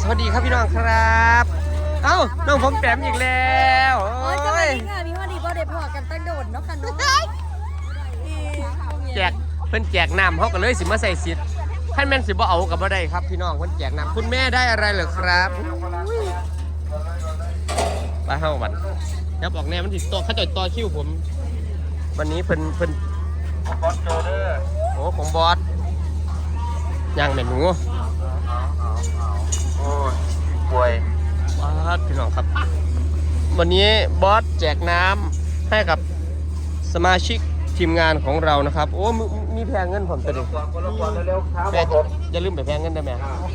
สวัสดีครับพี่น้องครับเอ้าน้องผมแปมอีกแล้วโอ้ยสวัสดีค่ะพี่ฮอดีบอได้พอกันตั้งโดดเนาะค่ะน้องแจกเพิ่นแจกน้ำเขาก็เลยสิมาใส่สิทธิ์ท่านแม่นสิบ่เอากับบ่ได้ครับพี่น้องเพิ่นแจกน้ำคุณแม่ได้อะไรเหรอครับไปเฮาบัดยับออกแน่มันสิต่อเขาจ่อยต่อคิวผมวันนี้เพิ่นบอสโจเด้อโอ้ของบอสย่างแม่หนูโอ้ยป่วยบอสพี่น้องครับวันนี้บอสแจกน้ำให้กับสมาชิกทีมงานของเรานะครับโอ้มีแพงเงินผมตัวเดียวแม่อย่าลืมไปแพงเงินได้ไหม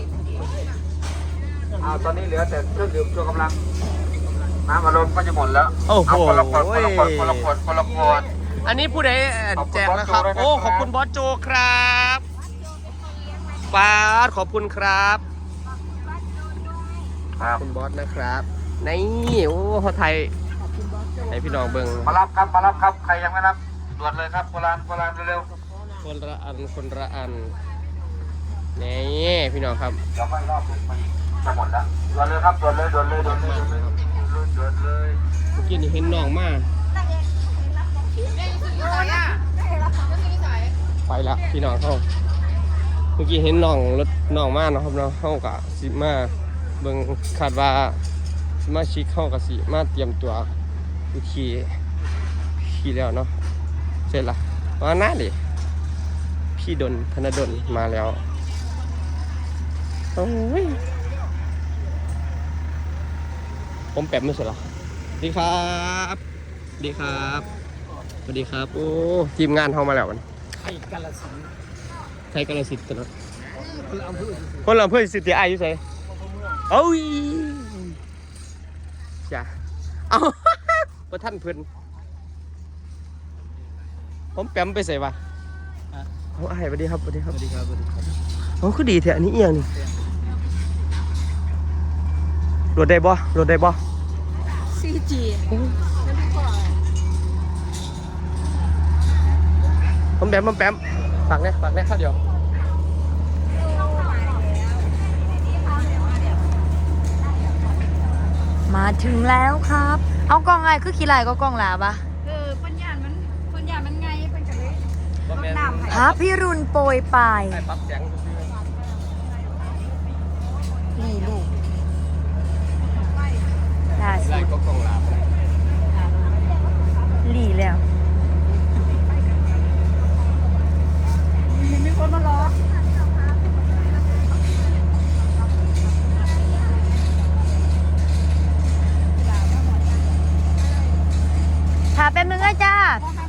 ตอนนี้เหลือแต่เครื่องดื่มชูกำลังน้ำอารมณ์ก็จะหมดแล้วโอ้โหคนละขวดอันนี้ผู้ใดแจกนะครับโอ้ขอบคุณบอสโจครับบอสขอบคุณครับขอบคุณบอสนะครับนี่โอ้เขาไทยให้พี่น้องเบิ่งมารับครับใครยังไม่รับด่วนเลยครับโบราณเร็วคนละอันนี่พี่น้องครับเดี๋ยวไม่รอบมันจะหมดแล้วด่วนเลยครับด่วนเลยเมื่อกี้นี่เห็นน้องมาไปละพี่น้องเขาเมื่อกี้เห็นรถน้องมาเนาะครับเนาะเขากะสิมาเบิ่งคาดว่าสมาชิกเขากะสิมาเตรียมตัวขี่แล้วเนาะเสร็จละว่าหน้าดิพี่ดนธนดลมาแล้วโอ้ยผมแปมไม่ใช่หรอดีครับดีครับสวัสดีครับโอ้ทีมงานเข้ามาแล้วไทยกาลสินธุ์นะคนละอำเภอสิทธิอายุใส่โอ้ยจ้ะเอาประท่านเพิ่นผมแปมไปใส่ปะเอาไอ้สวัสดีครับเขาคือดีแท้อันนี้เอียงนี่รถได้บ่ CG ผมแปมฝากเนี่ยข้าวเดียวมาถึงแล้วครับเอากล้องไงคือขี้ไหลก็กล้องหลาปะปัญญามันไงเป็นกันเลยพระพิรุณโปรยปลายนี่ลูกล่าสุดหลีแล้วมีคนมารอถามแป๊บนึงนะจ้า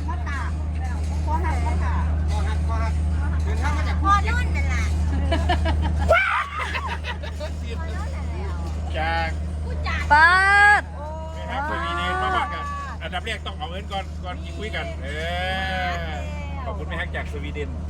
จากป้าดครับคุยดีๆมาบอกกันอันดับแรกต้องเอาเงินก่อนคุยกันขอบคุณแม่ฮักจากสวีเดน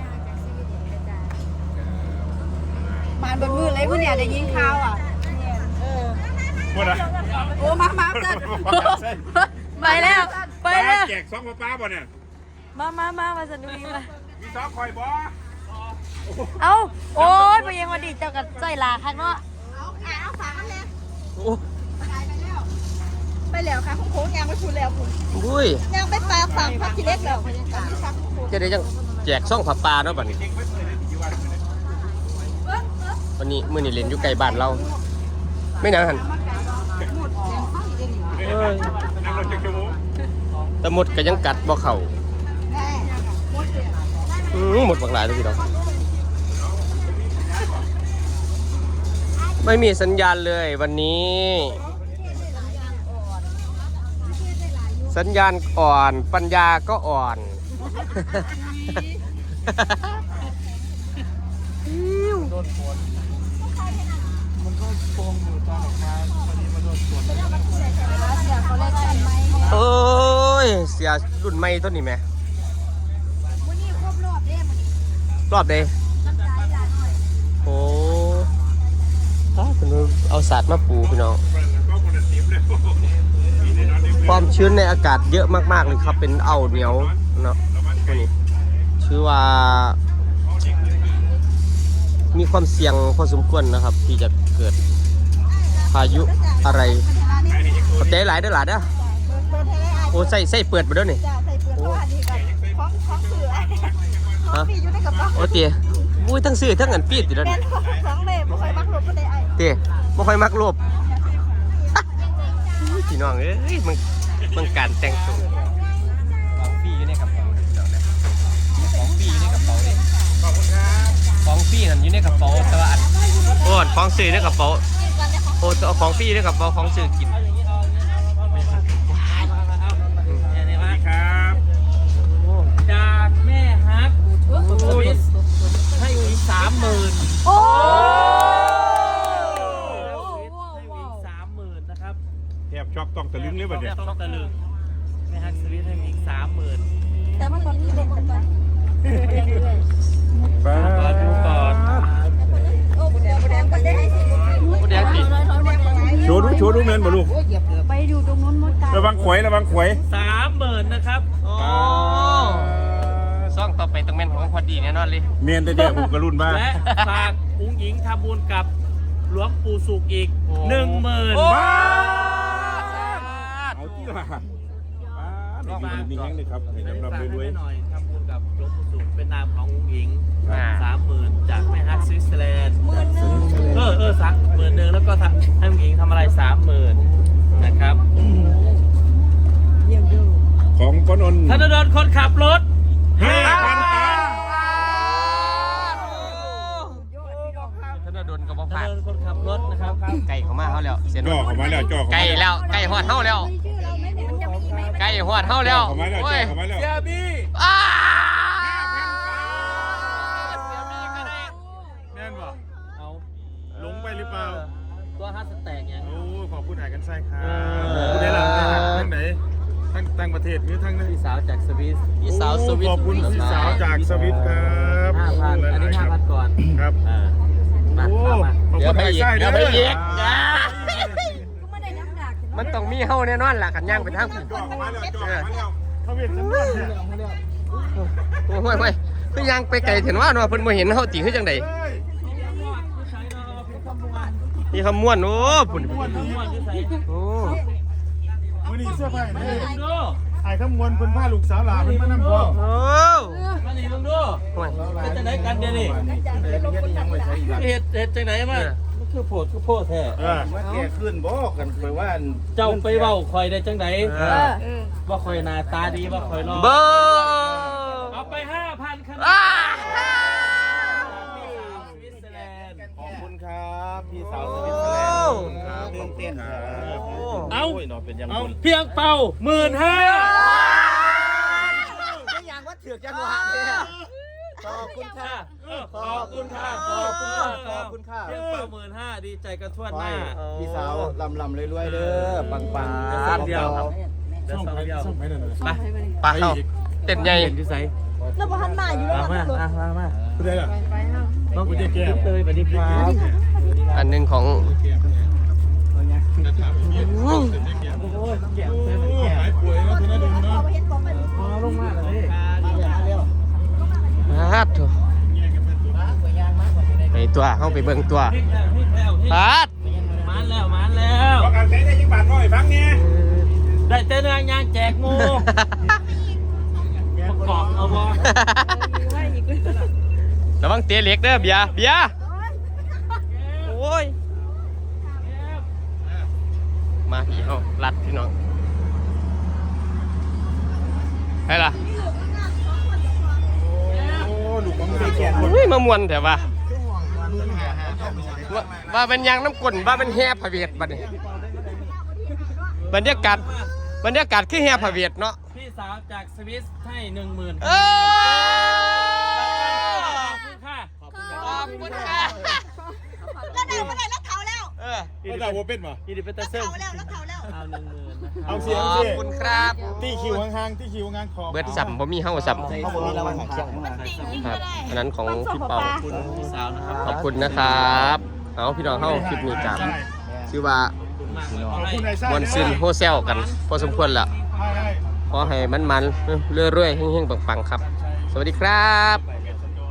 มาบนมือเลยคุณเนี่ยได้ยินข่าวอ่ะหมดอ่ะโอ้มาไปแล้วแจกซองป้าบ่เนี่ยมาสนุกมามีซองคอยบ่เอาโอ้ยไปยังวันดีเจ้ากับใจลาข้างนอกเอาฝากกันเลยไปแล้วค่ะโค้งยางไปชูแล้วคุณอุ้ยยางไปปลาฝั่งพักทีเล็กแล้วจะได้ยังแจกซ่องผับปลาเนาะบัดนี้วันนี้มื้อนี้เล่นอยู่ไกลบ้านเราไม่นานหันแต่หมดก็ยังกัดบ่เข่าหมดบางหลายเลยทีเดียวไม่มีสัญญาณเลยวันนี้สัญญาณอ่อนปัญญาก็อ่อนมันก็โป่งอยู่ตอนออกมาพอดีมาโดนฝนโอ้ยเสียรุ่นใหม่ต้นนี้ไหมรอบเดย์โอ้เอาศาสตร์มาปูพี่น้องความชื้นในอากาศเยอะมากๆเลยครับเป็นเอาเหนียวเนาะตัวนี้ชื่อว่ามีความเสี่ยงพอสมควรนะครับ ที่จะเกิดพายุอะไรขอบใจหลายเด้อหลานเด้อโอ้ใส่เปิดไปด้วยนี่จ้าใส่เปลือกเพราะว่านี่กันของเสือของปีอยู่ในกระเป๋าโอ้เตี๋ยอุ้ยทั้งซื้อทั้งเงินปีดติดแล้วแม่นี่ของเล่บ่ค่อยมักหลบก็ได้ไอ้เตี๋ยไม่ค่อยมักรูปพี่น้องเอ้ยมึงการแต่งตัวของปีอยู่ในกระเป๋าเดี๋ยวนะของปีอยู่ในกระเป๋าเนี่ยขอบคุณครับของปีนั่นอยู่ในกระเป๋าแต่ว่าอันโอ้ของซื้อในกระเป๋าโอ้เอาของปีอยู่ในกระเป๋าของซื้อกินสวัสดีครับจากแม่ฮักสวิสให้อีก30,000 โอ้ให้อีก30,000นะครับแทบช็อกต้องตะลึงเลยบัดเนี่ยต้องตะลึงแม่ฮักสวิสให้อีก30,000 แต่มันตอนนี้เป็นคนตอนป้าดูก่อนโอ้แดงก็ได้ให้สิผู้แดงติดโชว์ดูแมนบ่ลูกไปดูตรงนู้นมดตาระวังขวย 30,000นะครับโอ้ซ่องต่อไปต้องแม่นของพอดีแน่นอนเลยเมียนแต่เดียวผมกระรุ่นบ้าและฝากอุ้งหญิงทำบุญกับหลวงปู่สุกอีก 10,000 บ้าเอาที่ละบ้ามีแห้งเลยครับเห็นฝากรำให้รวยแม่หน่อยทำบุญกับหลวงปู่สุกเป็นนามของอุ้งหญิง 30,000 จากแม่ฮักสวิตเซอร์แลนด์สัก10,000แล้วก็ให้อุ้งหญิงทำอะไร 30,000นะครับของปนนท์ธนดลคนขับรถ 5,000 ตันธนดลกับบ่ธนผ่านดลคนขับรถนะครับไก่เขามาเขาแล้วเสียนจ่อเข้ามาแล้วจ่อเข้าไก่มาแล้วไก่หอดเฮาแล้วชื่อเราไหมเนี่ยมันจะมีไหมไก่หอดเฮาแล้วเข้ามาแล้วโอ้จ่อย เข้ามาแล้วเสียบี้อ้าแม่นบ่เอาหลงไปหรือเปล่าตัวฮัสแตกยังโอ้ขอบคุณหายกันไส้ครับเออผู้ใดล่ะทั้งไหนทั้งต่างประเทศหรือทั้งนั้นพี่สาวจากสวิสพี่สาวสวิตขอบคุณพี่สาวจากสวิตครับ 5,000อันนี้5,000ก่อนครับมาโอ้มาขอบเดี๋ยคุวณไปหายอีกไส้เดี๋ยวไปอีกไม่ได้น้ำหนักมันต้องมีเฮาแน่นอนล่ะกันย่างไปทางผิดจ่อเข้ามาแล้วจ่อเข้ามาแล้วเขาเวียนฉันด้วยเนี่ยโอ้ยคือย่างไปไกลเห็นว่าเนาะเพิ่นบ่เห็นเฮาติคือจังได๋เฮ้ยมีคำม่วนโอ้พุ่นม้วนนี้โอ้มือนี้เสื้อผ้าเนี่ยดูไอ้ขมวนเพิ่นผ้าลูกสาวหลาเพิ่นมานั่งพ่อโอ้มานี่มึงดูโอ้ยเป็นจังไหนกันเดี๋ยวนี้เฮ็ดจังไหนมามันคือโพดแท้ว่าแกขึ้นบอกกันไปว่าเจ้าไปเว้าคอยได้จังไหนว่าคอยหน้าตาดีว่าคอยรอเบ้อเอาไป 5,000คะแนอ้านสวิตเซอร์แลนด์ขอบคุณครับพี่สาวสวิตเซอร์แลนด์ครับตื่นเต้นครับเอาโอ้ยเนาะเป็นยังไงเพียงเป่า15,000 ยังว่าถือจังหวะเนี่ยขอบคุณค่ะขอบคุณค่ะขอบคุณค่ะขอบคุณค่ะเพียงเป่า15,000ดีใจกันทั่วหน้าพี่สาวลำรวยๆเด้อปังซ่อมเดียวครับเดี๋ยวซ่อมเดียวไม่ได้เลยไปปลาเข้าเต้นใหญ่เห็นที่ไสแล้วพอหันมาอยู่แล้วมามันมาผู้ใดล่ะต้องคุณจะแก้วเตยสวัสดีครับอันหนึงของโอ้ยแก้วเตยแก้วหายป่วยแล้วธนดลเนาะพอลงมาเลยฮาดโถไปตัวเฮาไปเบิ่งตัวพลิกแล้วพลิกแล้วฮาดมานแล้วบอกกันใช้ได้ยังบาทน้อยฟังเนี่ยได้เต้นยางแจกงูประกอบเอาบ่ระวังเตะเหล็กเด้อเบียร์โอ้ยมาพี่เฮาลัดพี่น้องไปล่ะโอ้ลูกของเด็กแก่อุ้ยมามวนแต่ว่าเป็นยางน้ำกลนว่าเป็นแห่พระเวทบัดนี้บรรยากาศคือแห่พระเวทเนาะพี่สาวจากสวิสให้10,000 เอขอบคุณค่ะขอบคุณค่ะแล้วได้เมื่อไหร่แล้วเผาแล้วไม่ได้ว่าเป็นป่ะยินดีเป็นตาเซิร์เผาแล้วแล้วเผาแล้วเอา10,000นะครับเอาเสียงขอบคุณครับตีคิวห่างๆตีคิวห่างๆขอเบิดสัมบ่มีเฮาสัมๆเขาบอกมีรางวัลของเชียงมาครับอันนั้นของพี่เปาขอบคุณพี่สาวนะครับขอบคุณนะครับเอาพี่น้องเฮาคลิปนี้กันชื่อว่าขอบคุณนายไส้มวนซินโฮเซลกันพอสมควรละขอให้มันๆเรื่อยๆเฮงๆปังๆครับ สวัสดีครับ